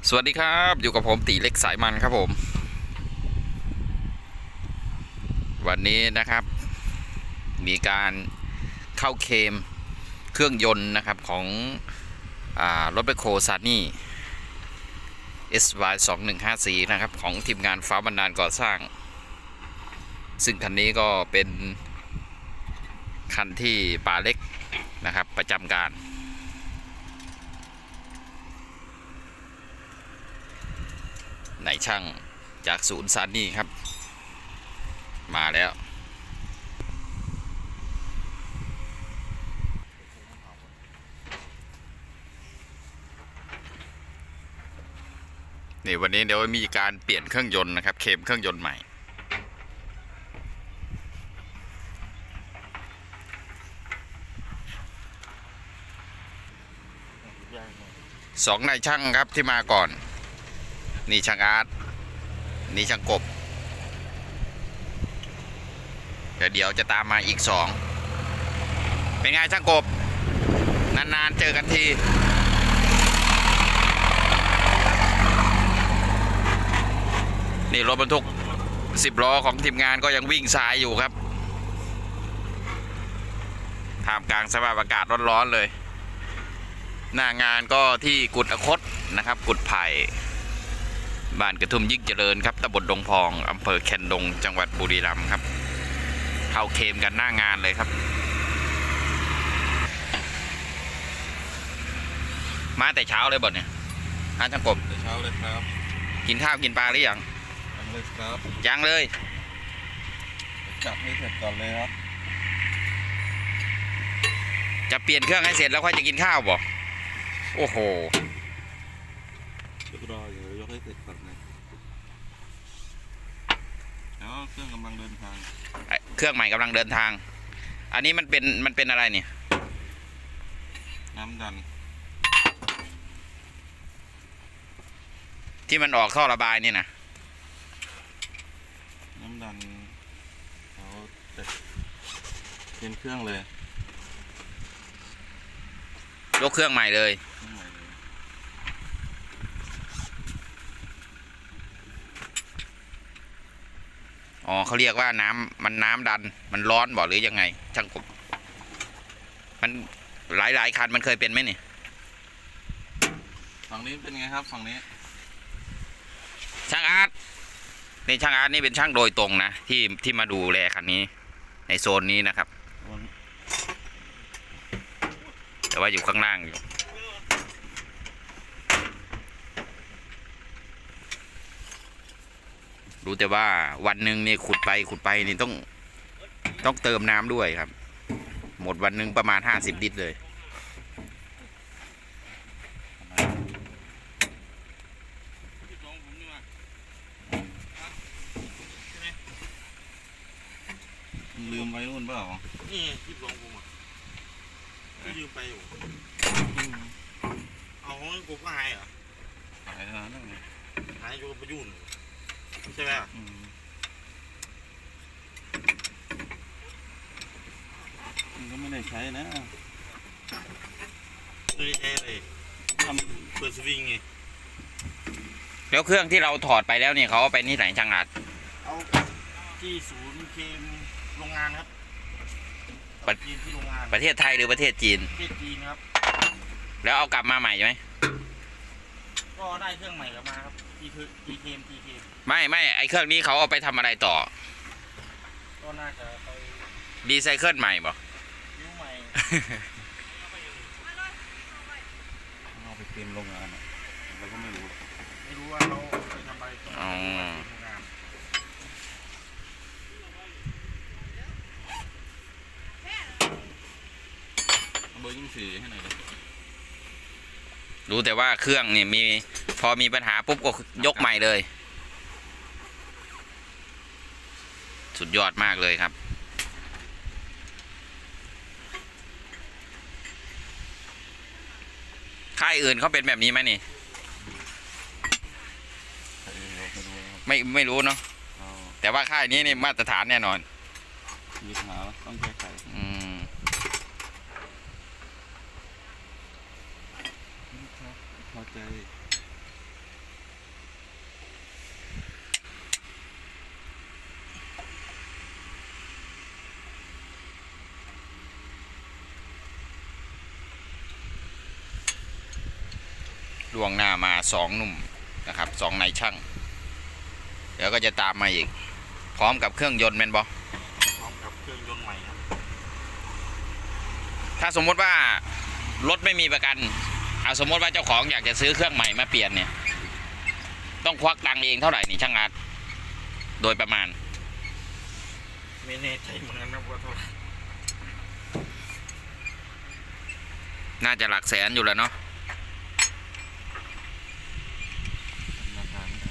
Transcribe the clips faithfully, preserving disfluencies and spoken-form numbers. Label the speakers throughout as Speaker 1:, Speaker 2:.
Speaker 1: สวัสดีครับอยู่กับผมตีเล็กสายมันครับผมวันนี้นะครับมีการเข้าเคลมเครื่องยนต์นะครับของรถแบคโฮซานี่ เอส วาย สองหนึ่งห้าสี่นะครับของทีมงานฟ้าบันดาลก่อสร้างซึ่งคันนี้ก็เป็นคันที่ป่าเล็กนะครับประจำการนายช่างจากศูนย์ซานี่ครับมาแล้วนี่วันนี้เดี๋ยวมีการเปลี่ยนเครื่องยนต์นะครับเคลมเครื่องยนต์ใหม่สองนายช่างครับที่มาก่อนนี่ช่างอาร์ตนี่ช่างกบเดี๋ยวเดี๋ยวจะตามมาอีกสองเป็นไงช่างกบนานๆเจอกันทีนี่รถบรรทุกสิบล้อของทีมงานก็ยังวิ่งสายอยู่ครับท่ามกลางสภาพอากาศร้อนๆเลยหน้างานก็ที่กุดอคตนะครับกุดไผ่บ้านกระทุ่มยิ่งเจริญครับตำบลดงพองอำเภอแคนดงจังหวัดบุรีรัมย์ครับเข้าเคลมกันหน้างานเลยครับมาแต่เช้าเลยบ่เนี่ยฮะช่างกบ
Speaker 2: แต่เช้าเลยครับ
Speaker 1: กินข้าวกินปลาหรือยัง
Speaker 2: ยังเลยครับ
Speaker 1: ยังเลย
Speaker 2: จับให้เสร็จก่อนเลยครับ
Speaker 1: จะเปลี่ยนเครื่องให้เสร็จแล้วค่อยจะกินข้าวบ่โอ้โห
Speaker 2: เดี๋ยวรอเดี๋ยวยกให้เสร็จก่อนนะแล้วเครื่องกำลังเดินทาง
Speaker 1: เครื่องใหม่กำลังเดินทางอันนี้มันเป็นมันเป็นอะไรเนี่ย
Speaker 2: น้ำดัน
Speaker 1: ที่มันออกท่อระบายนี่นะ
Speaker 2: น้ำดันเขาจะเป็นเครื่องเลย
Speaker 1: ยกเครื่องใหม่เลยอ๋อเขาเรียกว่าน้ำมันน้ำดันมันร้อนบ่หรือยังไงช่างกบมันหลายหลายคันมันเคยเป็นไหมนี่
Speaker 2: ฝั่งนี้เป็นไงครับฝั่งนี้
Speaker 1: ช่างอาร์ตนี่ช่างอาร์ตนี่เป็นช่างโดยตรงนะที่ที่มาดูแลคันนี้ในโซนนี้นะครับแต่ว่าอยู่ข้างล่างอยู่รู้แต่ว่าวันหนึ่งนี่ขุดไปขุดไปนี่ต้องต้องเติมน้ำด้วยครับหมดวันหนึ่งประมาณห้าสิบลิตรเลย
Speaker 2: ลืมไว้นู่นเปล่า
Speaker 3: นี่ที่ลองผมอ่ะก็ยืมไปอยู่เอาของกูก็หายเหรอ
Speaker 2: หายแล้วนั่นไง
Speaker 3: หายอยู่กับประยุนใช่ไหม
Speaker 2: มันก็ไม่ได้ใช้นะ
Speaker 3: ไม่ได้ใช้เลยทำเปิดสวิงไง
Speaker 1: แล้วเครื่องที่เราถอดไปแล้วเนี่ยเขาเอาไปที่ไหนช่างอาร์ต
Speaker 3: เอาที่ศูนย์เคมโรงงานครับ
Speaker 1: ที่โรงงานประเทศไทยหรือประเทศจีน
Speaker 3: ประเทศจีนครับ
Speaker 1: แล้วเอากลับมาใหม่ไหม
Speaker 3: ก็ได้เครื่องใหม่กลับมาครับทีทีเคมทีเคม
Speaker 1: ไม่ไม่ไอเครื่องนี้เขาเอาไปทำอะไรต่อ
Speaker 3: ก็น่าจะไป
Speaker 1: รีไซเคิลใหม่บ่
Speaker 3: ยูใหม่
Speaker 2: เอาไปเตรียมโรงงานเราก็ไม่รู้
Speaker 3: ไม่รู้ว่าเขาไปทำอะไรต่อ
Speaker 2: เบอร์ยิ่งสีให้หน่อยเลย
Speaker 1: รู้แต่ว่าเครื่องนี่มีพอมีปัญหาปุ๊บก็ยกใหม่เลยสุดยอดมากเลยครับค่ายอื่นเขาเป็นแบบนี้ไหมนี่ไม่ไม่รู้เนาะแต่ว่าค่ายนี้นี่มาตรฐานแน่นอน
Speaker 2: มีปัญหาต้องแก้ไข
Speaker 1: อืม
Speaker 2: พอใจ
Speaker 1: ล่วงหน้ามาสองหนุ่มนะครับสองนายช่าง เดี๋ยวก็จะตามมาอีก พร้อมกับเครื่องยนต์แม่นบอ
Speaker 3: พร้อมกับเครื่องยนต์ใหม่ครับ
Speaker 1: ถ้าสมมติว่ารถไม่มีประกันเอาสมมติว่าเจ้าของอยากจะซื้อเครื่องใหม่มาเปลี่ยนเนี่ย ต้องควักตังค์เองเท่าไหร่นี่ช่างอาร์ตโดยประมาณ
Speaker 3: ไม่แน่ใจเหมือนกันนะว่าเท่าไหร่
Speaker 1: น่าจะหลักแสนอยู่แล้วเนาะ
Speaker 2: ราคาไม่ได้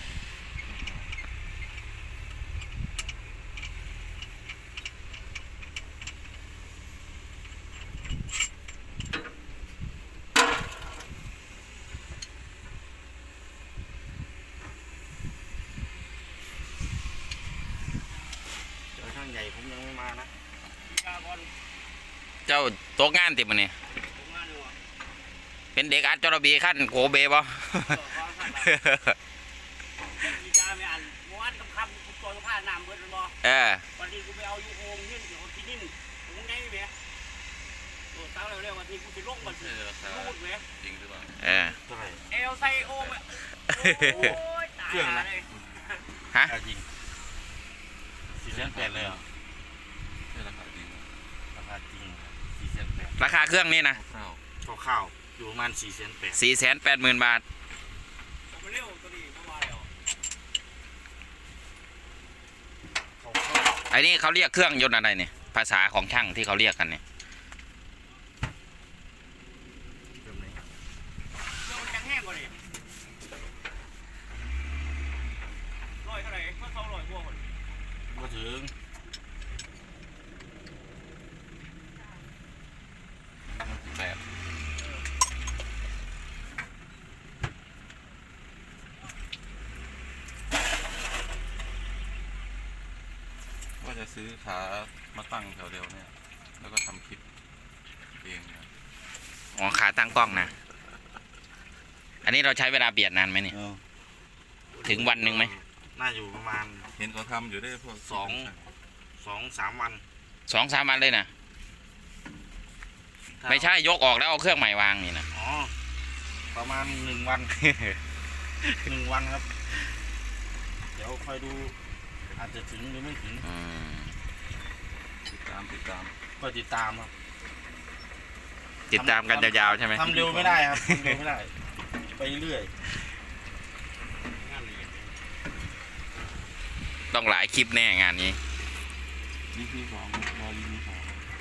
Speaker 3: เดี๋ยวช่างใหญ่ผมยังไม่มานะ
Speaker 1: เจ้าโต๊ะงานติดมันนี่เป็นเด็กอาร์ตจรบีขั้นโกเบบ่
Speaker 4: ยาไม่อ่านเมื่อวานคำคำกูตัวผ้าน้ำเบิดเลยบ่
Speaker 1: เออ
Speaker 4: วันนี้กูไปเอายูโฮมยื่นอยู่ที่นิ่มกูไงไหมโอ้เต้าเร็วๆวันที่กูจะลงมัน
Speaker 2: ใช่ราคา
Speaker 4: รูดไหม
Speaker 2: จริงหรือเปล่า
Speaker 1: เออ
Speaker 3: เท่าไหร่
Speaker 4: เอลไซโอมโอ้ยตายเลย
Speaker 1: ฮะ
Speaker 3: ราคาจริงสี่แสนแปดเลยเหรอ
Speaker 2: ใช่ราคาจริง
Speaker 3: ราคาจริงสี่แสนแปด
Speaker 1: ราคาเครื่องนี้นะ
Speaker 2: ข้าว
Speaker 3: ข้าวๆอยู่ประมาณสี่แสนแปด
Speaker 1: สี่แสนแปดหมื่นบาท
Speaker 4: มาเร็วตัวนี้เข้ามาแล้ว
Speaker 3: เขา
Speaker 1: ไอ้นี่เขาเรียกเครื่องยนต์อะไรเนี่ยภาษาของช่างที่เขาเรียกกันเนี่ย
Speaker 3: เริ่มไหน
Speaker 4: เรื่องมันจังแห้งกว่านี่ลอยเท่าไหร่เพื่อเขาลอยพวกคน
Speaker 3: มาถึง
Speaker 2: แปดว่าจะซื้อขามาตั้งแถวเดียวเนี่ย แล้วก็ทำคลิปเองนะ
Speaker 1: อ๋อขาตั้งกล้องนะ อันนี้เราใช้เวลาเปลี่ยนนานไหมเนี่ย ถึงวันหนึ่งไหม
Speaker 3: น่าอยู่ประมาณ
Speaker 2: เห็นเขาทำอยู่ได้พวก
Speaker 3: สอง สองสามวัน
Speaker 1: สองสามวันเลยนะไม่ใช่ยกออกแล้วเอาเครื่องใหม่วางนี่นะ
Speaker 3: อ๋อประมาณหนึ่งวัน หนึ่งวันครับ เดี๋ยวคอยดู อาจจะถึงหรือไม่ถึง
Speaker 1: อืม
Speaker 2: ติดตามติดตาม
Speaker 3: ก็ติดตามครับ
Speaker 1: ติดตามกันยาวๆใช่ไหม
Speaker 3: ทำเร็วไม่ได้ครับทำเร็วไม่ได้ ไปเรื่อย
Speaker 4: งานละเอียด
Speaker 1: ต้องหลายคลิปแน่งานนี้
Speaker 2: นี่คือสองรอรีวิวสอง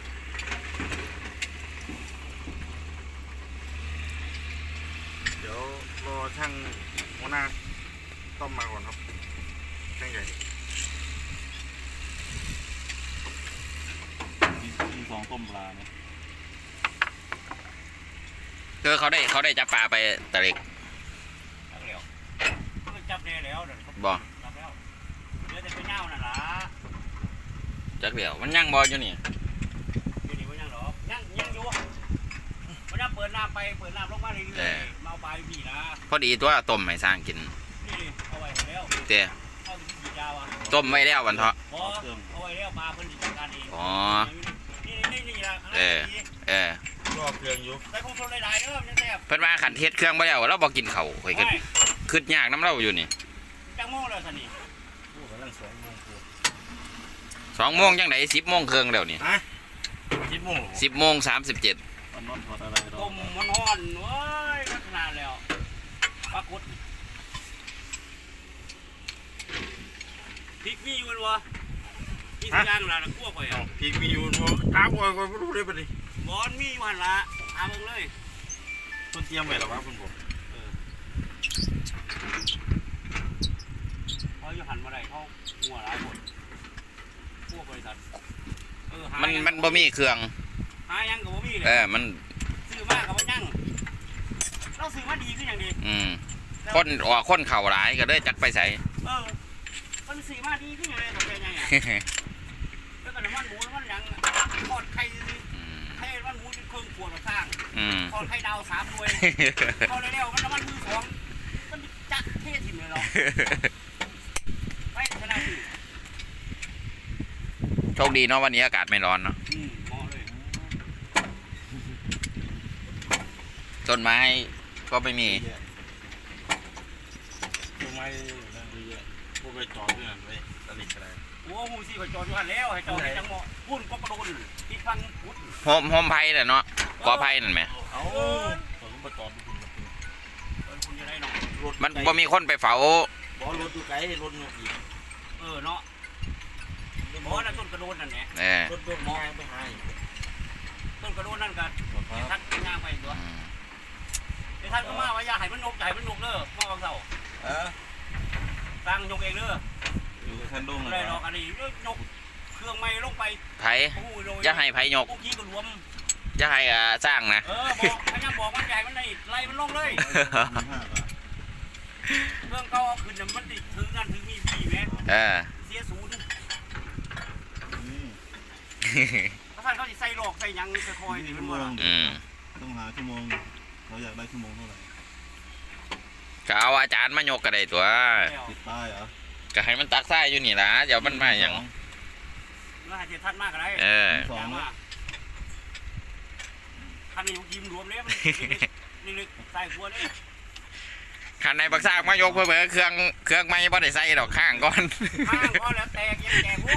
Speaker 3: เดี๋ยวรอช่างหัวหน้าต้อมมาก่อนครับ ช่างใหญ่
Speaker 2: มีสองต้มปลานะ
Speaker 1: คือเขาได้เขาได้จับปลาไปตะเล็ก
Speaker 4: จับแล้วเพิ่งจับได้แล้วเดี๋ยวเขา
Speaker 1: บ่
Speaker 4: จับแล้วเหลือแต่ไปเน่าน่ะล่ะ
Speaker 1: จักเดียวมันยังบออยู่นี่
Speaker 4: อยู่นี่ว่ายังหรอยังยังอยู่วันนั้นเปิดน้ำไปเปิดน้ำลงมาเรื่อยๆมาเอาปลาอยู่พี่นะ
Speaker 1: พอดีตัวต้มให้สร้างกิน
Speaker 4: นี่ดิเอาไว้ให้แล้ว
Speaker 1: เต้
Speaker 4: เข้าถึงฉีดยาวอ่ะ
Speaker 1: ต้มไว้แล้ววันเถาะ
Speaker 4: บอเอาไว้แล้วปลาเพิ่นจัดการเอง
Speaker 1: อ๋อ
Speaker 4: นี่นี่นี่ละ
Speaker 1: เออ เออ
Speaker 3: รอเครื่องอยู่
Speaker 4: ใส่คงทนหลายๆเด้อมันจะแซ่บ
Speaker 1: เพิ่นว่าขันเทศเครื่องไปแล้วเราบอกกินเขาวข่อยก็คืดยากน้ำเราอยู่นี่
Speaker 4: จังโม่เลยสันนี่
Speaker 3: พูดกำลังสองโมงกว่า
Speaker 1: สองโมงจังไหนสิบโมงเครื่องแล้วนี่
Speaker 3: ฮะคิดโมงเหรอ
Speaker 1: สิบโมงสามสิบเจ็ด
Speaker 2: มันนอนถอดอะไรรอ
Speaker 4: ต้มมันฮ้อนเว้ยก็ขนาดแล้วปลากดพริกมีอยู่มันวะมีทุกอย่างละคั่วข่อย
Speaker 3: อ้า
Speaker 4: อ่ะ
Speaker 3: วพี่มีอยู่บ่ตามก่อนก่อนไม่รู้ได้ปะดิ
Speaker 4: บอนมีอยู่หันละหาเบิ่งเลย
Speaker 3: คุณเตรียมไว้หรอวะคุณผม
Speaker 4: เขาอยู่หันมาได้เขาหัวหลายคนพวกบริษัทเออหา
Speaker 1: มัน
Speaker 4: ยัง
Speaker 1: มันบ่มีเครื่อง
Speaker 4: หายังกับบ่มีเลย
Speaker 1: เออ มัน
Speaker 4: ซื้อมากับบ่ยังเราซื้อมาดีขึ้นอย่างดี
Speaker 1: อืมคนออกคนเข่าหลายก็เลยจักไปใส่
Speaker 4: เออมันซื้อมาดีขึ้นอย่างไรตัวเป็นยังไงแล้วก็น้ำมันหมูน้ำมันหยังทอดไข่ไข่น้ำมันหมูเป็นเครื่องขวดข้าง
Speaker 1: อืม
Speaker 4: ทอดไข่ดาวสามหน่วยทอดเร็วๆมันน้ำมันมือสองมันจัดเท่ถิ่มเลยหรอไม่ชนะสิ
Speaker 1: โชคดีเนาะวันนี้อากาศไม่ร้อนเนาะ
Speaker 4: อืมเหมาะเลย
Speaker 1: ต้นไม้ก็ไม่มี
Speaker 3: ม้นั่นดีอ่ะพวกไปจอดด้วยกันไปตลิดอะไร
Speaker 4: โอ้มูซี่ก็จอดอยู่หันแล้วให้จอดให้จังหวะพุ่นก็กระโดดที่ฟังพุทธ
Speaker 1: โฮมโฮมไพ่น่ะเนาะกอไพ่นั่นไหม
Speaker 3: เอาผมไปจอดดูคุณ
Speaker 4: เออคุณจะได้หน่อย
Speaker 3: รถ
Speaker 1: มันบ่มีคนไปเฝ้า
Speaker 3: บอรถดูไกลรถอีก
Speaker 4: เออเนาะหมอนั่นต้นกระโดดนั่นแหละ
Speaker 1: เออ
Speaker 3: รถโดนมองไปหา
Speaker 4: ต้นกระโดดนั่นกัน
Speaker 2: ครับ
Speaker 4: ทักย่างไปตัว
Speaker 1: อืม
Speaker 4: ไอ้ท่านก็มาว่าอย่าให้มันนกอย่าให้มันนกเด้อมาบางเสา
Speaker 2: เออ
Speaker 4: ตั้งยกเองเด้อ
Speaker 2: อยู่กับท่านดุ้ง
Speaker 4: อะ
Speaker 2: เล
Speaker 4: ไร
Speaker 2: ย
Speaker 4: หรอกอันนี้ยกเครื่องไม้ลงไป
Speaker 1: ไผ่
Speaker 4: โอ้โหโรย
Speaker 1: จะให้ไผ่ยก
Speaker 4: พวกกี้ก็รวม
Speaker 1: จะให้อ่าสร้างนะ
Speaker 4: เออบอกพยายามบอกมันใหญ่มันได้ไล่มันลงเลยเครื่องเก่าเอาขึ้นน่ะมันติดถือนั่นถือมีพี่แม่
Speaker 1: เออ
Speaker 4: เสียศูนย์ถ้าท่านเขาจะใส่หลอกใส่หยังใส่คอยนี่มันว่า
Speaker 1: อืม
Speaker 2: ต้องหาชั่วโมงเราอยากได้ชั่วโมงเท่าไหร่
Speaker 1: ก็เอาอาจารย์มายกก็ได้ตัว
Speaker 4: แล้ว
Speaker 2: ติดป้ายเหรอ
Speaker 1: ก็ให้มันตักทรายอยู่นี่ล่ะเดี๋ยวมันมาอย่าง
Speaker 4: แล้วให้เจ็ดท่านมากอะไร
Speaker 1: เออ
Speaker 2: สอง
Speaker 4: ย่าง
Speaker 2: ไหม
Speaker 4: ว่าท่านนี่ยิ้มรวมเลยมันนี่เลยใส่หัวเลย
Speaker 1: ขันในบักซากมายกเพื่อเพื่อเครื่องเครื่องไม่บ่ได้ใส่ดอกข้างก่อน
Speaker 4: ข้างก็แล้วแตกยังแตกพวก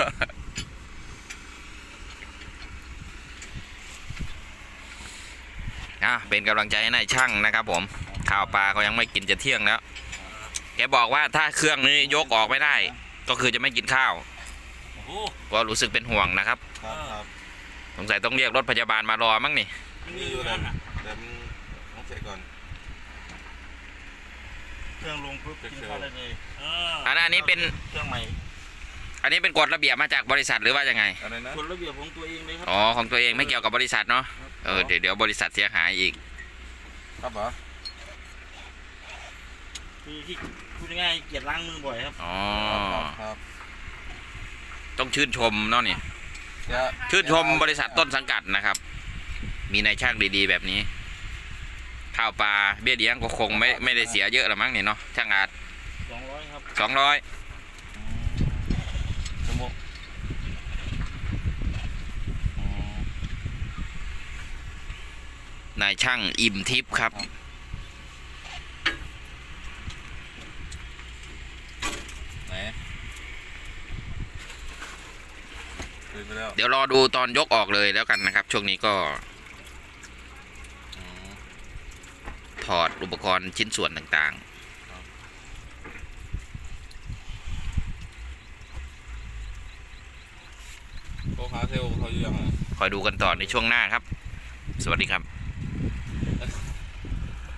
Speaker 1: อ่ะเป็นกำลังใจให้นายช่างนะครับผมข้าวปลาเขายังไม่กินจะเที่ยงแล้ว แกบอกว่าถ้าเครื่องนี้ยกออกไม่ได้ ก็คือจะไม่กินข้าว
Speaker 4: โอ้โห
Speaker 1: ก็รู้สึกเป็นห่วงนะครับ
Speaker 2: ครับครับ
Speaker 1: สงสัยต้องเรียกรถพยาบาลมารอมั้งนี่
Speaker 4: มันมีอยู่นั่นน่ะ
Speaker 2: แต่มันต้องเช็คก่อน
Speaker 3: เครื่องลงปุ๊บกินข้าวได้เลย
Speaker 4: เออ
Speaker 1: อันอันนี้เป็น
Speaker 3: เครื่องใหม่
Speaker 1: อันนี้เป็นกฎระเบียบมาจากบริษัทหรือว่ายังไง
Speaker 2: อะไรนะ
Speaker 3: กฎระเบียบของตัวเองเลยครั
Speaker 1: อ๋อของตัวเองไม่เกี่ยวกับบริษัทเนาะเออเดี๋ยวเดี๋ยวบริษัทเสียหายอีก
Speaker 2: ครับเหรอ
Speaker 3: คือที่พูดง่ายๆเกียรล้างมือบ่อยครับ
Speaker 1: อ๋อ
Speaker 2: ครับครับ
Speaker 1: ต้องชื่นชมเนาะนี่
Speaker 2: อย่า
Speaker 1: ชื่นชมบริษัทต้นสังกัดนะครับ มีนายช่างดีๆแบบนี้ ข้าวปลาเบี้ยเลี้ยงก็คงไม่ไม่ได้เสียเยอะหรอกมั้งนี่เนาะช่างอาจ
Speaker 3: สองร้อยครับ
Speaker 1: สองร้อย
Speaker 2: ชั่วโมงอ๋อน
Speaker 1: ายช่างอิ่มทิพย์ครับ
Speaker 2: ไหนตื่นไปแล้ว
Speaker 1: เดี๋ยวรอดูตอนยกออกเลยแล้วกันนะครับ ช่วงนี้ก็
Speaker 2: อืม
Speaker 1: ถอดอุปกรณ์ชิ้นส่วนต่าง
Speaker 2: โทรหาเซลล์เขาอยู่ยังไง
Speaker 1: ๆ คอยดูกันต่อในช่วงหน้าครับ สวัสดีครับ